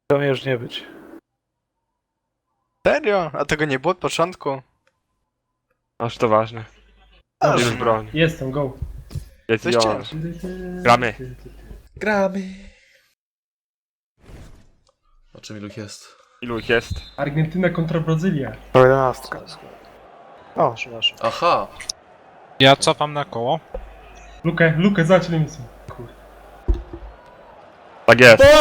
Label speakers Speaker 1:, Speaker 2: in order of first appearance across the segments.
Speaker 1: To mnie już nie być.
Speaker 2: Serio? A tego nie było od początku?
Speaker 3: Aż to ważne.
Speaker 2: Aż
Speaker 3: Jest broń.
Speaker 4: Jestem, go.
Speaker 3: Jest
Speaker 2: Coś
Speaker 3: Jon.
Speaker 2: ciężko.
Speaker 3: Gramy.
Speaker 5: Gramy. O czym ilu jest?
Speaker 3: Ilu ich jest?
Speaker 4: Argentyna kontra Brazylia.
Speaker 1: To 11. O,
Speaker 5: Aha!
Speaker 6: Ja cofam na koło.
Speaker 4: Lukę, zacznij misję. Kurde.
Speaker 3: Tak jest.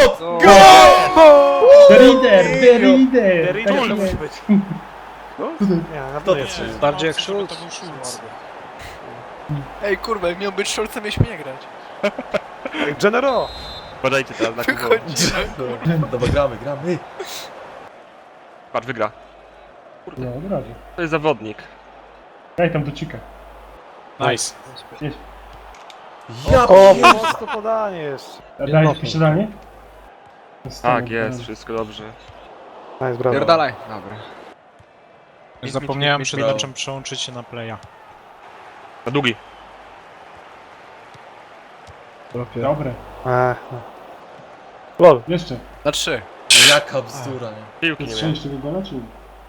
Speaker 4: The Reader!
Speaker 1: to
Speaker 4: Tak
Speaker 1: musi
Speaker 4: jest.
Speaker 1: być. Nie, na
Speaker 5: To
Speaker 1: to jest.
Speaker 7: Bardziej jak Schulz.
Speaker 6: To był Schulz.
Speaker 2: Ej kurwa, jak miał być Szolcem, mieliśmy nie grać.
Speaker 1: Genero!
Speaker 3: Podajcie teraz na kubo.
Speaker 2: Wychodzi.
Speaker 5: Dobra, gramy.
Speaker 3: Patrz, wygra.
Speaker 4: No, od razu.
Speaker 3: To jest zawodnik.
Speaker 4: Daj tam do cika.
Speaker 6: Nice.
Speaker 5: Ja
Speaker 1: O,
Speaker 5: pier-
Speaker 1: mocno podanie jeszcze.
Speaker 4: Daj posiadanie?
Speaker 3: Tak, jest, wszystko dobrze.
Speaker 1: Nice, brawo.
Speaker 2: Pierdalaj. Dobra.
Speaker 6: Zapomniałem przed
Speaker 5: brawo.
Speaker 6: meczem przełączyć się na playa.
Speaker 3: Na długi.
Speaker 4: Dobre.
Speaker 1: No. Lol.
Speaker 4: Jeszcze.
Speaker 2: Na 3.
Speaker 5: Jaka bzdura, nie?
Speaker 3: Piłki nie
Speaker 4: Jest
Speaker 3: miałem.
Speaker 4: 6 tego gola, czy nie?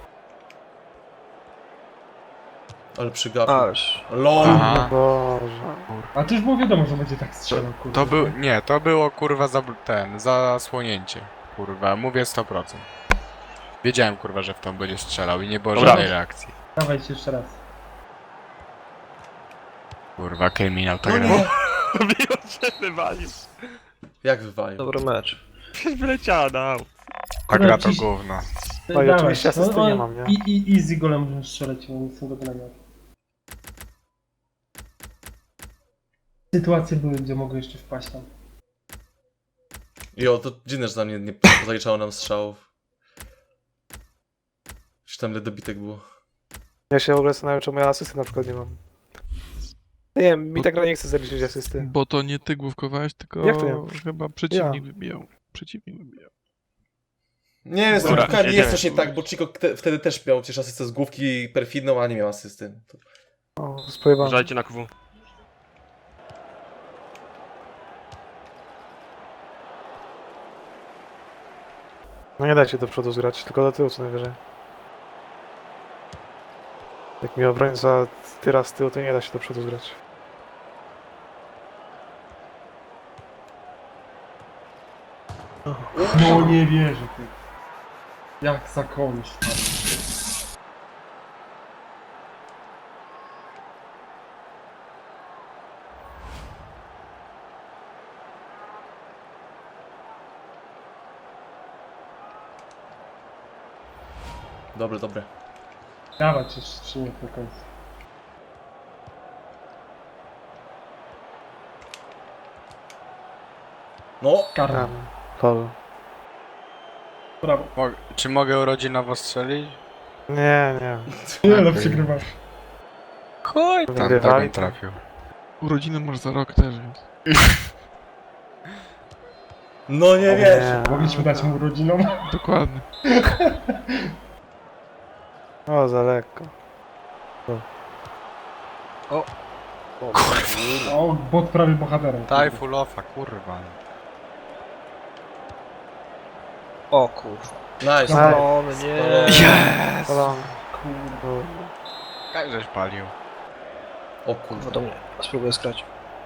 Speaker 5: Ale przygapił.
Speaker 7: Aż.
Speaker 5: LOL!
Speaker 2: Aha.
Speaker 1: Boże.
Speaker 4: A to już było wiadomo, że będzie tak strzelał, kurde.
Speaker 8: To był, nie, to było kurwa zasłonięcie. Kurwa, mówię 100%. Wiedziałem kurwa, że w tą będzie strzelał i nie było
Speaker 3: Dobra.
Speaker 8: żadnej reakcji.
Speaker 4: Dawajcie jeszcze raz.
Speaker 8: Kurwa, kryminał to
Speaker 5: No
Speaker 8: gra.
Speaker 5: nie!
Speaker 3: Biło się wywalił.
Speaker 5: Jak wywalił?
Speaker 7: Dobry mecz.
Speaker 3: Wyleciała na aut.
Speaker 8: Ta gra to
Speaker 4: Ciś-
Speaker 8: gówno.
Speaker 1: No i oczywiście asysty nie mam, nie?
Speaker 4: I easy golem możesz strzelać, bo nie są do grania. Sytuacje były, gdzie mogły jeszcze wpaść tam.
Speaker 5: Jo, to dziwne, że tam nie zaliczało nam strzałów. Czy tam ile dobitek było?
Speaker 1: Ja się w ogóle zastanawiam, czemu ja asysty na przykład nie mam. Nie wiem, mi ta gra nie chce zaliczyć asysty.
Speaker 9: Bo to nie ty główkowałeś, tylko
Speaker 1: Jak to nie?
Speaker 9: chyba przeciwnik wybijał. Przeciwnik wybijał.
Speaker 5: Nie wiem, z
Speaker 3: Dobra,
Speaker 5: główkami jest
Speaker 3: jedziemy.
Speaker 5: coś nie tak, bo Chico wtedy też miał przecież asystę z główki perfidną, a nie miał asysty. To...
Speaker 1: O, spojrzałem.
Speaker 3: Uważajcie na KW.
Speaker 1: No nie dajcie do przodu zgrać, tylko do tyłu co najwyżej. Jak mi obrońca tyra z tyłu, to nie da się do przodu zgrać.
Speaker 4: No nie wierzę, ty. Jak za komuś.
Speaker 5: Dobre.
Speaker 4: Dawać jeszcze przyjmie do końca.
Speaker 5: No!
Speaker 4: Karma.
Speaker 1: Lol.
Speaker 4: Brawo.
Speaker 8: Czy mogę urodzinowo strzelić?
Speaker 1: Nie.
Speaker 4: Nie no, przegrywasz.
Speaker 8: Chuj, tam tak
Speaker 1: Wygrywali
Speaker 8: bym
Speaker 1: to.
Speaker 8: trafił.
Speaker 9: Urodziny masz za rok też, więc.
Speaker 5: No nie wiesz!
Speaker 4: Mogliśmy dać mu urodzinom.
Speaker 9: Dokładnie.
Speaker 1: O, za lekko.
Speaker 4: O, bot prawie bohaterem.
Speaker 8: Daj full offa, kurwa.
Speaker 7: O kurwa.
Speaker 5: Nice!
Speaker 4: No.
Speaker 7: O nie.
Speaker 5: Spalony.
Speaker 1: Polon.
Speaker 4: Kurde.
Speaker 8: Jak żeś palił?
Speaker 5: O
Speaker 7: Kurwa
Speaker 5: kurwa.
Speaker 7: do mnie. Spróbuję skrać.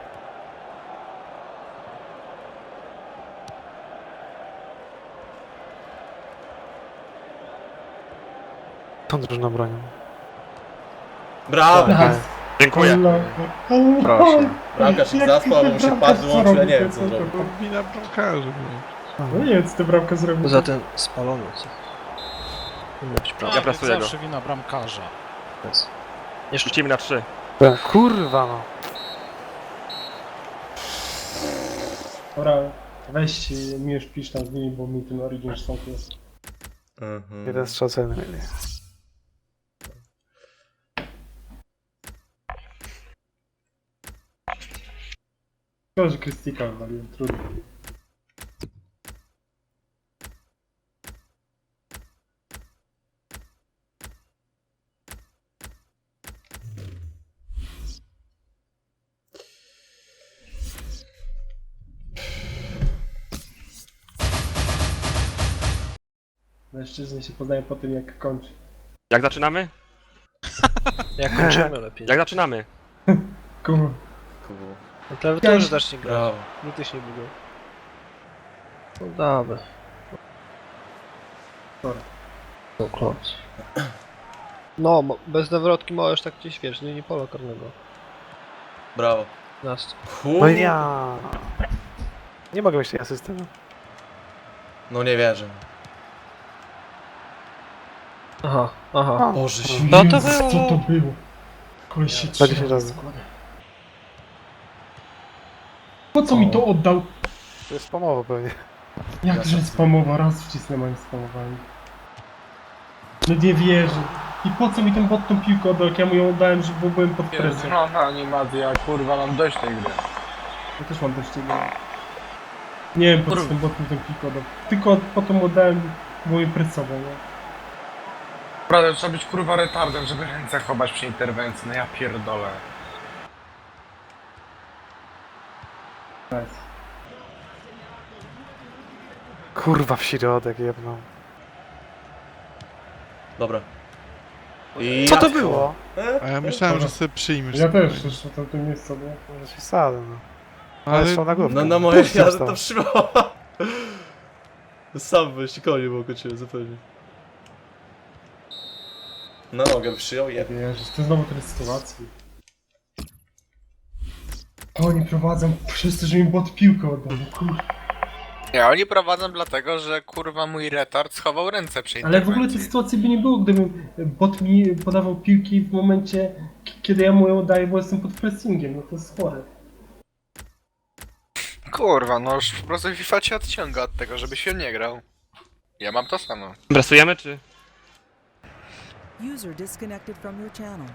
Speaker 1: Tą drużyną bronią.
Speaker 5: Brawo!
Speaker 4: Nice.
Speaker 3: Dziękuję.
Speaker 8: Proszę.
Speaker 5: Bramka się zaspał, albo mu się pad wyłączył, ja nie wiem co zrobił.
Speaker 9: To wina bramkarzy, no.
Speaker 4: No nie wiem, co ty bramkę zrobił.
Speaker 7: Poza tym spalony. Co? Powinno być prawda.
Speaker 3: Ja pracuję go.
Speaker 6: Zawsze wina bramkarza.
Speaker 7: Jeszcze.
Speaker 3: Rzucimy na 3.
Speaker 1: Kurwa no.
Speaker 4: Dobra, weź mi już pisz tam z nimi, bo mi ten Origin stąd jest.
Speaker 5: Mhm.
Speaker 1: Jeden strzał celny mieli.
Speaker 4: Szkoda, że Krystika wywaliłem, trudno. Mężczyźni się poznają po tym, jak kończy.
Speaker 3: Jak zaczynamy?
Speaker 7: Jak kończymy lepiej.
Speaker 3: Jak zaczynamy?
Speaker 4: Kurwa.
Speaker 5: Kurwa.
Speaker 7: Na klawiaturze zacznie grać.
Speaker 5: Brawo.
Speaker 7: Nigdy się nie budzą. No dawaj.
Speaker 4: Dobra.
Speaker 7: No kląc. No, bez nawrotki możesz tak gdzieś, wiesz, nie pola karnego.
Speaker 5: Brawo.
Speaker 7: Nas.
Speaker 1: No
Speaker 5: Kurwa.
Speaker 1: ja. Nie mogę mieć tej asysty. No.
Speaker 5: No nie wierzę.
Speaker 7: Aha, aha.
Speaker 5: Boże się.
Speaker 7: No to
Speaker 4: Jezus,
Speaker 7: było.
Speaker 4: co to było? Koleś się
Speaker 1: 20
Speaker 4: trzyma.
Speaker 1: razy.
Speaker 4: Po co mi to oddał?
Speaker 1: To jest spamowo pewnie.
Speaker 4: Jakże spamowa, raz wcisnę, a nie spamowali. No nie wierzę. I po co mi ten bot tą piłkę oddał, jak ja mu ją oddałem, że byłem pod presją.
Speaker 8: Pierdolona animacja, kurwa, mam dość tej gry.
Speaker 4: Ja też mam dość tego. Nie wiem, po co ten bot mi tą piłkę oddał. Tylko potem oddałem, bo mnie presował, nie?
Speaker 8: Naprawdę, trzeba być kurwa retardem, żeby ręce chować przy interwencji, no ja pierdolę.
Speaker 4: Nice.
Speaker 1: Kurwa w środek jebną.
Speaker 5: Dobra. I
Speaker 1: Co to było?
Speaker 9: A ja myślałem, że sobie przyjmiesz.
Speaker 4: Ja też,
Speaker 9: spokojnie.
Speaker 4: jeszcze tam to miejsce sobie.
Speaker 1: Może się sadę, no. Ale
Speaker 9: Ale
Speaker 1: strzał na głowę.
Speaker 5: No na moje
Speaker 1: Puść
Speaker 5: jazdy
Speaker 1: został.
Speaker 5: to trzymała. Sam byś koniec było kończyłem zupełnie. Na nogę przyjął, jebie.
Speaker 4: Jezus, to znowu tyle sytuacji. Oni prowadzą przez to, że mi bot piłkę oddał, no kurwa.
Speaker 8: Ja, oni prowadzą dlatego, że kurwa mój retard schował ręce przy
Speaker 4: Ale
Speaker 8: interwencji.
Speaker 4: w ogóle tej sytuacji by nie było, gdybym bot mi podawał piłki w momencie, kiedy ja mu ją daję, bo jestem pod pressingiem, no to jest chore.
Speaker 2: Kurwa, no już po prostu FIFA cię odciąga od tego, żebyś się nie grał. Ja mam to samo.
Speaker 3: Bresujemy czy?
Speaker 10: User disconnected from your channel.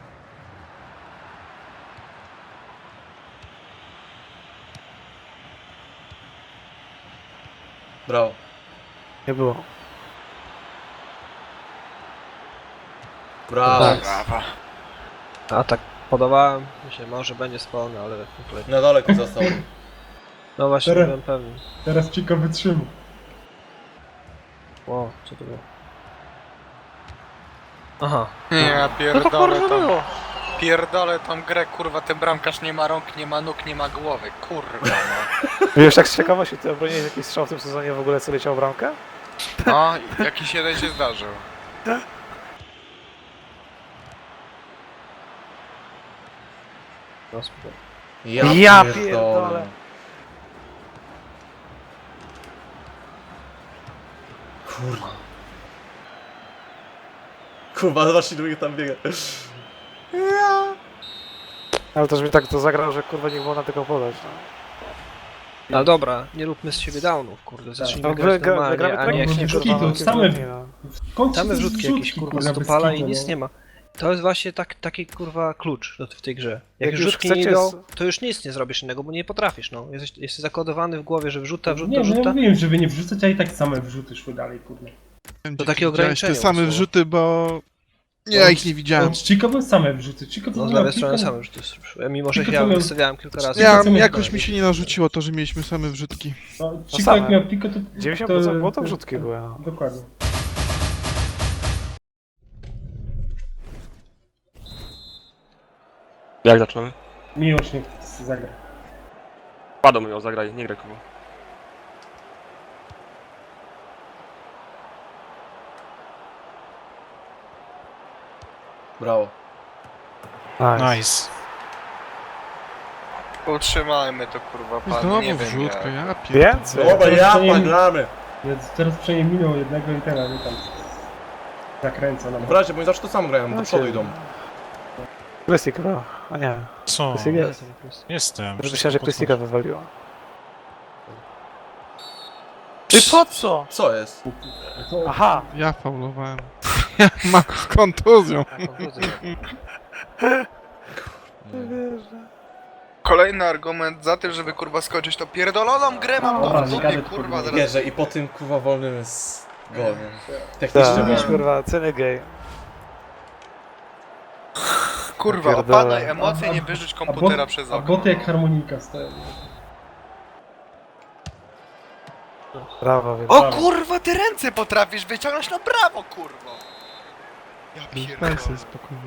Speaker 5: Brawo.
Speaker 1: Nie było.
Speaker 5: Brawo.
Speaker 2: Brawa.
Speaker 7: A tak podawałem, myślę, może będzie spalony, ale kompletnie.
Speaker 5: Na dole tu został.
Speaker 7: No właśnie,
Speaker 4: Teraz-
Speaker 7: byłem pewny.
Speaker 4: Teraz Chico wytrzyma.
Speaker 7: Ło, co to było? Aha.
Speaker 8: Nie, ja
Speaker 7: No to
Speaker 8: pierdolę
Speaker 7: kurwa
Speaker 8: tą...
Speaker 7: było.
Speaker 8: Pierdolę tą grę, kurwa, ten bramkarz nie ma rąk, nie ma nóg, nie ma głowy, kurwa no.
Speaker 1: Wiesz, tak z ciekawości, ty obroniłeś jakiś strzał w tym sezonie w ogóle, co leciał w bramkę?
Speaker 8: No, jakiś jeden się zdarzył.
Speaker 7: No spoko.
Speaker 1: Ja pierdolę.
Speaker 5: Kurwa. Kurwa, zobaczcie, drugi tam biega.
Speaker 1: Ale też mi tak to zagrał, że kurwa nie było na tego podać. No.
Speaker 7: No dobra, nie róbmy z siebie downów, kurde, zacznijmy
Speaker 1: No,
Speaker 7: grać
Speaker 1: gramy
Speaker 7: normalnie, a nie
Speaker 1: tak,
Speaker 7: jak
Speaker 4: nie
Speaker 7: nie
Speaker 4: wrzuki,
Speaker 7: kurwa.
Speaker 4: to same-
Speaker 1: no.
Speaker 4: W końcu
Speaker 7: Same
Speaker 4: to jest
Speaker 7: wrzutki jakieś kurwa
Speaker 4: bez
Speaker 7: stopala i
Speaker 4: kitu,
Speaker 7: nic
Speaker 4: no.
Speaker 7: nie ma. To jest właśnie taki kurwa klucz w tej grze. Jak
Speaker 1: Jak
Speaker 7: już
Speaker 1: już
Speaker 7: rzutki nie
Speaker 1: chcecie
Speaker 7: idą, to już nic nie zrobisz innego, bo nie potrafisz, no. Jesteś zakodowany w głowie, że wrzuta,
Speaker 4: Nie, no ja
Speaker 7: wrzuta.
Speaker 4: mówiłem, żeby nie wrzucać, a i tak same wrzuty szły dalej, kurde.
Speaker 7: To takie
Speaker 9: Widziałeś
Speaker 7: ograniczenie
Speaker 9: te same
Speaker 7: było.
Speaker 9: wrzuty, bo... Ja ich nie widziałem.
Speaker 4: Od Chico były same wrzuty. Chico to
Speaker 7: No z
Speaker 4: miał
Speaker 7: lewej strony
Speaker 4: kilka-
Speaker 7: same wrzuty szły. Mimo, że
Speaker 4: Tylko
Speaker 7: ja
Speaker 4: to miał-
Speaker 7: wystawiałem kilka razy.
Speaker 9: Ja,
Speaker 4: co mnie
Speaker 9: jakoś
Speaker 4: to-
Speaker 9: mi się nie narzuciło to, że mieliśmy same wrzutki.
Speaker 4: No,
Speaker 1: No
Speaker 4: Chico
Speaker 1: same.
Speaker 4: jak miał Pico, to...
Speaker 1: 90% było to wrzutki były. No.
Speaker 4: Dokładnie.
Speaker 3: Jak zaczynamy?
Speaker 4: Miłość niech zagra.
Speaker 3: Padą ją zagraj, nie graj kogo.
Speaker 5: Brawo.
Speaker 1: Nice.
Speaker 6: Nice.
Speaker 2: Utrzymajmy to kurwa, pan,
Speaker 9: Znowu
Speaker 2: nie wiem
Speaker 9: wrzutka,
Speaker 2: jak.
Speaker 9: ja pierdolę.
Speaker 1: Więcej?
Speaker 5: Dobra,
Speaker 4: Teraz
Speaker 5: ja
Speaker 4: to nie-
Speaker 5: paglamy.
Speaker 4: Więc teraz przynajmniej minął jednego i teraz nie tam zakręca na
Speaker 5: W razie, bo oni zawsze to samo grają, do przodu idą.
Speaker 1: Plastik chyba. A nie.
Speaker 6: Co?
Speaker 1: Plastik jest.
Speaker 6: Jestem.
Speaker 1: Już myślałem, że plastika wywaliła. Ty po co?
Speaker 5: Co jest?
Speaker 1: Aha!
Speaker 9: Ja faulowałem. Ja mam z kontuzją.
Speaker 2: Kolejny argument za tym, żeby kurwa skończyć to pierdoloną grę mam
Speaker 4: Dobra,
Speaker 2: to w
Speaker 4: nie
Speaker 2: dupie,
Speaker 4: gadaj,
Speaker 2: kurwa,
Speaker 4: kurwa.
Speaker 2: zaraz.
Speaker 5: Wierzę i po tym kurwa wolnym jest gol, nie? Technicznie
Speaker 1: Tak,
Speaker 5: wolny.
Speaker 1: kurwa, ceny gej.
Speaker 2: Kurwa,
Speaker 1: Pierdolę.
Speaker 2: opadaj emocje, nie wyrzuć komputera przez
Speaker 4: A
Speaker 2: okno.
Speaker 4: boty jak harmonika stoją.
Speaker 1: Brawo, wiem.
Speaker 2: O kurwa, ty ręce potrafisz wyciągnąć na prawo, kurwo! Ja
Speaker 9: Daj
Speaker 2: pierdolę.
Speaker 9: sobie spokojnie.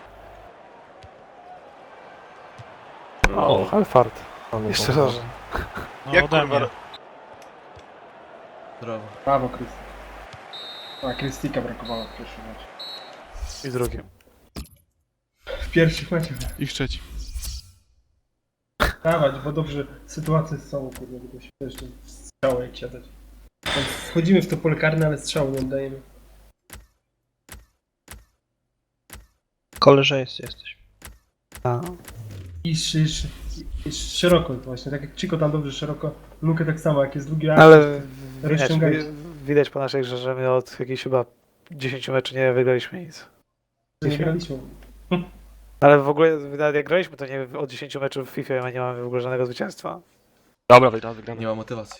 Speaker 1: O, Alfard. Jeszcze raz.
Speaker 6: No
Speaker 2: Jak
Speaker 6: ode
Speaker 2: kurwa...
Speaker 6: mnie.
Speaker 5: Brawo.
Speaker 4: Brawo, Krysti. A, Krystika brakowało w pierwszym meczu.
Speaker 1: I drugim.
Speaker 4: W pierwszych meczach.
Speaker 9: I w trzecim.
Speaker 4: Dawać, bo dobrze sytuacje są, kurde, tylko się jeszcze strzały jak siadać. Wchodzimy w to pole karne, ale strzału nie oddajemy.
Speaker 7: Koleżeńscy jesteś.
Speaker 1: A.
Speaker 4: I szeroko właśnie, tak jak Chico tam dobrze szeroko, Lukę tak samo, jak jest drugi
Speaker 1: Ale widać,
Speaker 4: rozciągajcie.
Speaker 1: widać po naszej grze, że my od jakichś chyba 10 meczów nie wygraliśmy nic.
Speaker 4: że nie graliśmy.
Speaker 1: Ale w ogóle nawet jak graliśmy, to nie od 10 meczów w FIFA nie mamy w ogóle żadnego zwycięstwa.
Speaker 3: Dobra, wygramy.
Speaker 5: Nie ma motywacji.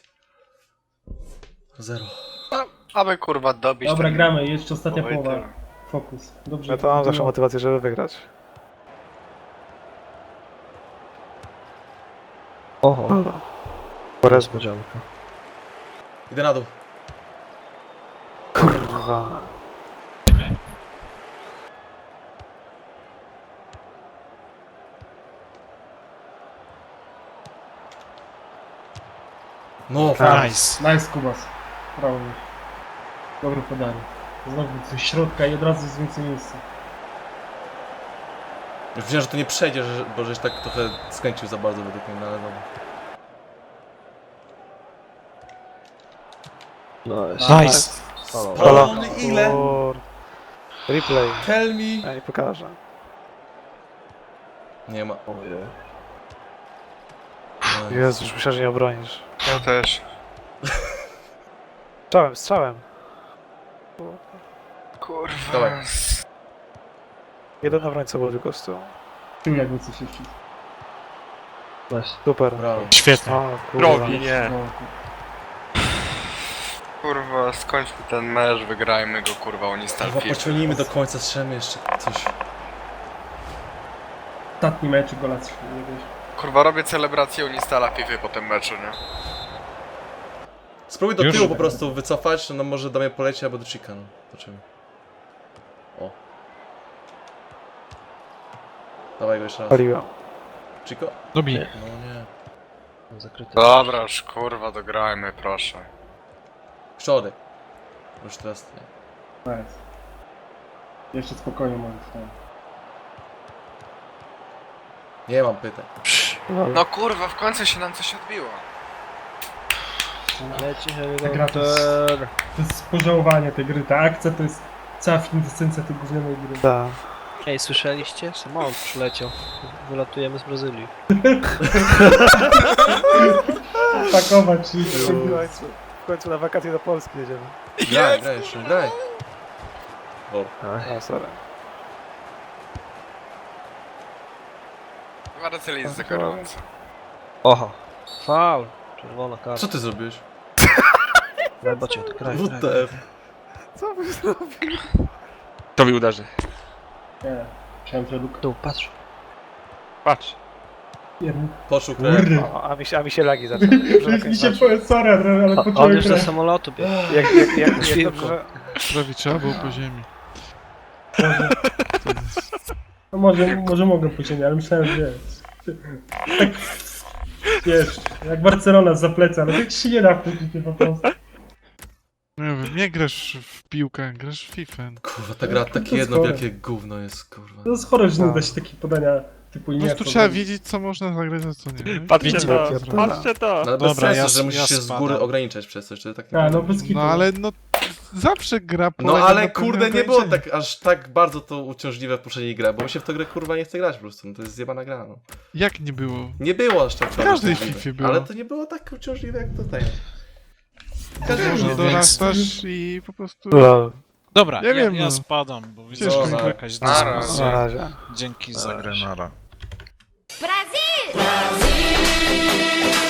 Speaker 5: 0.
Speaker 2: Aby kurwa dobić
Speaker 4: Dobra,
Speaker 2: ten-
Speaker 4: gramy, jeszcze ostatnia
Speaker 2: Oj,
Speaker 4: połowa.
Speaker 2: tyle.
Speaker 4: Fokus. Dobrze.
Speaker 1: Ja to mam zawsze
Speaker 4: no.
Speaker 1: motywację, żeby wygrać.
Speaker 7: Oho,
Speaker 1: Porez,
Speaker 7: niespodzianka.
Speaker 5: Idę na dół.
Speaker 1: kurwa.
Speaker 5: No,
Speaker 6: Nice.
Speaker 4: Nice, Kubas. Brawo. Dobre podanie. Znowu ze środka i od razu jest więcej miejsca.
Speaker 5: już wiedziałem, że to nie przejdzie, bo żeś tak trochę skręcił za bardzo według mnie, no ale dobra.
Speaker 6: Nice.
Speaker 5: Spalony ile?
Speaker 1: Replay.
Speaker 5: Tell me.
Speaker 1: Ja nie pokażę.
Speaker 5: Nie ma.
Speaker 1: Jezu, już myślałem, że nie obronisz.
Speaker 2: Ja też.
Speaker 1: Strzałem.
Speaker 2: Kurwa.
Speaker 5: Dawaj.
Speaker 1: Jeden obrońca był tylko z tyłu.
Speaker 4: Tu jakby coś jeszcze.
Speaker 7: Nice.
Speaker 1: Super.
Speaker 5: Brawo.
Speaker 6: Świetnie.
Speaker 1: O, kurwa.
Speaker 3: Drogi, nie.
Speaker 4: No,
Speaker 2: Kurwa, skończmy ten mecz, wygrajmy go, kurwa, oni
Speaker 5: Chyba
Speaker 2: stalki.
Speaker 5: pociągnijmy do końca, strzelmy jeszcze coś.
Speaker 4: ostatni mecz gola jakiegoś.
Speaker 2: Kurwa, robię celebrację Unistala FIFA po tym meczu, nie?
Speaker 5: Spróbuj do
Speaker 6: Już?
Speaker 5: tyłu po prostu wycofać, no może do mnie poleci albo do Chica, no. Zobaczymy. O. Dawaj go jeszcze raz.
Speaker 1: Paliłem.
Speaker 5: Chico?
Speaker 6: Dobij.
Speaker 5: No nie.
Speaker 7: Zakryty.
Speaker 2: Dobra, już kurwa, dograjmy, proszę.
Speaker 5: Środek. Już teraz nie.
Speaker 4: Nice. Jeszcze spokojnie możesz tam.
Speaker 5: Nie mam pytań.
Speaker 2: No kurwa, w końcu się nam coś odbiło.
Speaker 7: Leci
Speaker 4: Ta gra to jest,
Speaker 7: helikopter.
Speaker 4: to jest pożałowanie tej gry. Ta akcja to jest cała kwintesencja tej gównianej gry.
Speaker 1: Da.
Speaker 7: Ej, słyszeliście? Samolot przyleciał. Wylatujemy z Brazylii.
Speaker 4: Pakować i...
Speaker 1: W końcu na wakacje do Polski jedziemy.
Speaker 5: Graj, graj jeszcze, graj. O,
Speaker 1: A, sorry.
Speaker 2: Marcel jest za gorąco.
Speaker 7: Oho. Faul. Czerwona karta.
Speaker 5: co ty zrobiłeś?
Speaker 7: Chyba cię odkraj.
Speaker 5: WTF.
Speaker 1: Co wy zrobił?
Speaker 3: To mi uderzy.
Speaker 4: Nie. Chciałem, że Luka...
Speaker 7: Tu, patrz.
Speaker 3: Patrz.
Speaker 4: Jeden.
Speaker 5: Poczuł krew.
Speaker 4: Kurde.
Speaker 1: O, a mi się lagi zaczęły. Dobrze, na
Speaker 4: Mi
Speaker 1: koniec
Speaker 4: się
Speaker 1: meczu.
Speaker 4: powie, sorry, ale
Speaker 7: On
Speaker 4: poczułem
Speaker 7: już do
Speaker 4: krew.
Speaker 7: samolotu biegł.
Speaker 1: Jak dobrze,
Speaker 9: Prawie trzeba było po ziemi.
Speaker 4: No może mogę później, ale myślałem, że tak, wiesz, jak Barcelona z pleca, ale tak się nie da później po prostu.
Speaker 9: Nie wiem, nie grasz w piłkę, grasz w FIFA.
Speaker 5: Kurwa, ta gra takie jedno wielkie gówno jest, kurwa.
Speaker 4: To jest chore, że nie da się takie podania typu
Speaker 9: Po
Speaker 4: Iniesta.
Speaker 9: prostu trzeba wiedzieć, co można zagrać, a co nie.
Speaker 3: Patrzcie
Speaker 6: Wiecie,
Speaker 3: to.
Speaker 1: jakie
Speaker 3: Patrzcie to.
Speaker 5: No ale bez
Speaker 6: Dobra,
Speaker 5: sensu,
Speaker 6: ja-
Speaker 5: że musisz
Speaker 6: ja
Speaker 5: się z góry
Speaker 6: spadam.
Speaker 5: ograniczać przez coś, to tak nie
Speaker 4: A, no
Speaker 5: powinno
Speaker 4: bez
Speaker 5: być.
Speaker 4: kitu.
Speaker 9: No ale no zawsze gra
Speaker 5: No
Speaker 9: polega
Speaker 5: ale
Speaker 9: na pewnym
Speaker 5: kurde, nie było
Speaker 9: ograniczeniu.
Speaker 5: tak aż tak bardzo to uciążliwe w poprzedniej grze, bo mi się w tę grę kurwa nie chce grać po prostu, no to jest zjebana gra, no.
Speaker 9: Jak nie było?
Speaker 5: Nie było aż tak
Speaker 9: W każdej
Speaker 5: uciążliwe,
Speaker 9: Fifie było.
Speaker 5: ale to nie było tak uciążliwe jak tutaj.
Speaker 9: Może
Speaker 6: No
Speaker 9: dorastasz i po prostu...
Speaker 1: Lol.
Speaker 6: Dobra,
Speaker 9: Nie wiem,
Speaker 6: ja
Speaker 9: no.
Speaker 6: spadam, bo widzę,
Speaker 9: Ciężko
Speaker 6: że
Speaker 5: mi.
Speaker 6: to jakaś
Speaker 2: Nara.
Speaker 1: Na
Speaker 6: dyskusja.
Speaker 1: razie.
Speaker 6: Dzięki za grę.
Speaker 9: Nara.
Speaker 11: Brasil!